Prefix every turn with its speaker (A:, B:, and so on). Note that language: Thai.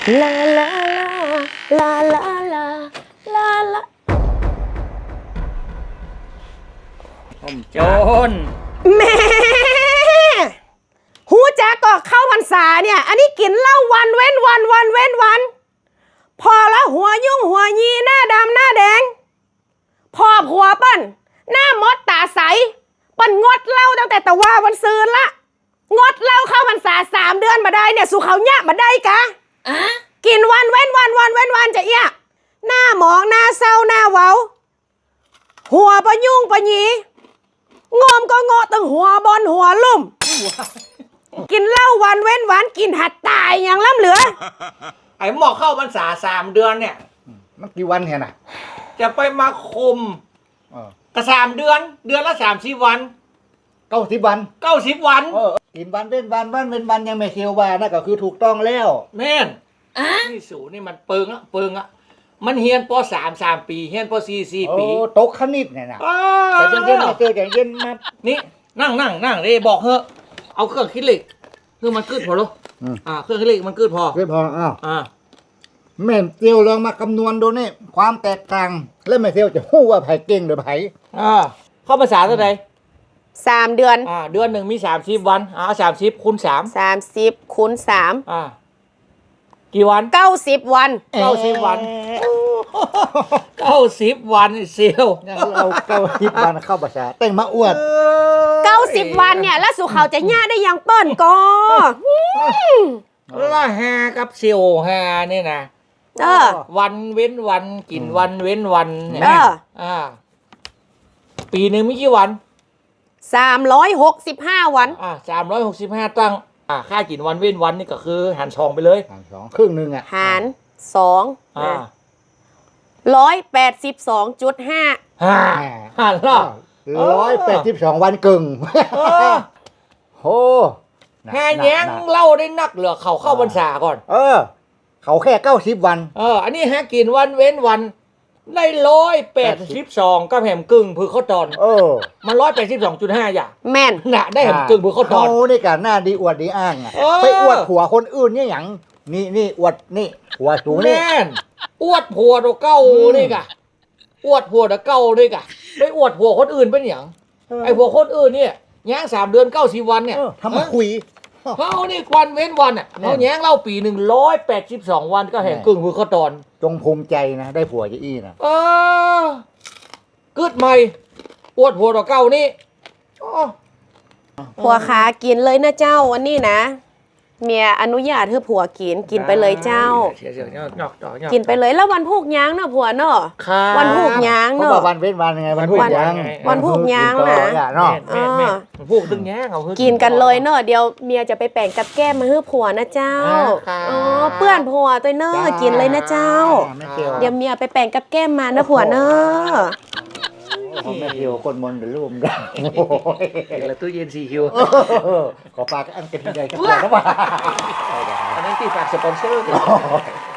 A: ลาลาลาลาลาลาลา
B: ผมโจร
A: แม่หูจักก็เข้าพรรษาเนี่ยอันนี้กินเหล้าวันเว้นวันวันเว้นวันพอละหัวยุ่งหัวยีหน้าดำหน้าแดงพอผัวเปิ้นหน้ามดตาใสเปิ้นงดเหล้าตั้งแต่ตะว่าวันซืนละงดเหล้าเข้าพรรษา3 เดือนมาได้เนี่ยสู่เขาเนี่ยมาได้กะกินวันเว้นวันวันเว้นวันจะเอี้ยหน้าหมองหน้าเศร้าหน้าเว้าหัวปะยุ่งปะยีงอมก็งอตั้งหัวบอลหัวลุ่มกินเหล้าวันเว้นวันกินหัดตายอย่างล้ำเหลือ
B: ไอ้หมอกเข้าพรรษา3 เดือนเนี่ย
C: มันกี่วันเนี่ยนะ
B: จะไปมาคุมก็3 เดือนเดือนละ30 วัน
C: 90 วัน
B: 90 วัน
C: กินวันเว้นวันวันเว้นวันยังไม่เที่ยวว่านั่นก็คือถูกต้องแล้ว
B: แม่นนี่สูนี่มันเปิงอะมันเฮียนป.3 ปีเฮียนป.4 ปี
C: ตกคณิตเนี่ยนะแต่เย็นๆมาเจอแต่เย็นมา
B: นี่นั่งเลยบอกเถอะเอาเครื่องคิดเลขคือมันกึดพอหรอเครื่องคิดเลขมันกึดพอ
C: แม่เตียวลองมาคำนวณดูนี่ความแตกต่างแล้วแม่เตียวจะฮู้ว่าไผเก่งหรือไผ
B: เข้าภาษาเท่าไหร่
A: 3 เดือน
B: เดือนหนึ่งมี30 วัน30 คูณ 3
A: 30 คูณ 3
B: กี่วัน
A: 90 วัน
B: 90 วัน90 วันเซียว
C: เรา90 วันเข้าภาษาแต่งมาอวด
A: 90 วันเนี่ยแล้วสู่เขาจะย่าได้ยังเปิ้นก็
B: ละแฮกับเซียวแฮนี่นะวันเว้นวันกินวันเว้นวันเนี่ยปีหนึ่งมีกี่วัน
A: 365 วัน
B: 365ตั้งค่ากินวันเว้นวันนี่ก็คือหาร2ไปเลย
C: หาร2ครึ่งนึง
A: หาร2 182.5
B: หารละ
C: 182 วันกึ่งโห
B: แห่แย้งเล่าได้นักเหลือเขาเข้าพรรษาก่อน
C: เขาแค่90 วัน
B: อันนี้ฮะกินวันเว้นวันได้182ก็แหมกึ่งพือข้าวตอนมัน182.5อย่าง
A: แม่น
B: น่ะได้แหมกึ่งพือข้าวตอน
C: นี่กันหน้าดีอวดดีอ้างไปอวดผัวคนอื่นเนี่ยอย่างนี่อวดนี่ผัวสูงนี่
B: แม่นอวดผัวตัวเก่านี่กะอวดผัวตัวเก่านี่กะไปอวดผัวคนอื่นเป็นอย่างไอ้ผัวคนอื่นเนี่ยแย้ง3 เดือน90 วันเนี่ย
C: ทำมาคุย
B: เขานี่วันเว้นวันอ่ะเขาแย้งเล่าปี182 วันก็แห่งกึ่งมือเขาตอน
C: จงภูมิใจนะได้ผัวจะอี้นะ
B: กึดใหม่อวดผัวตัวเก่านี่
A: ผัวขากินเลยนะเจ้าวันนี้นะเมียอนุญาตให้ผัวกินไปเลยเจ้ากินไปเลยแล้ววันพูกย้างเนาะผัวเนาะวันพูกย้างเนาะ
C: วันเว้นวันไงวันพูกย้าง
A: วันพูกย้างนะ
B: วันพูกตึงย้างเอา
A: กินกันเลยเนาะเดี๋ยวเมียจะไปแป่งกับแก้มมาให้ผัวนะเจ้าเปื้อนผัวตัวเนาะกินเลยนะเจ้าเดี๋ยวเมียไปแป่งกับแก้มมานะผัวเนาะ
C: แม่เที่ยวคนมนต์เดือดร่วมกัน
B: แล้วตู้เย็น4 คิว
C: ขอฝากอันกันใหญ่กันนะว่า
B: อันนั้นตีฝากสปอนเซอร์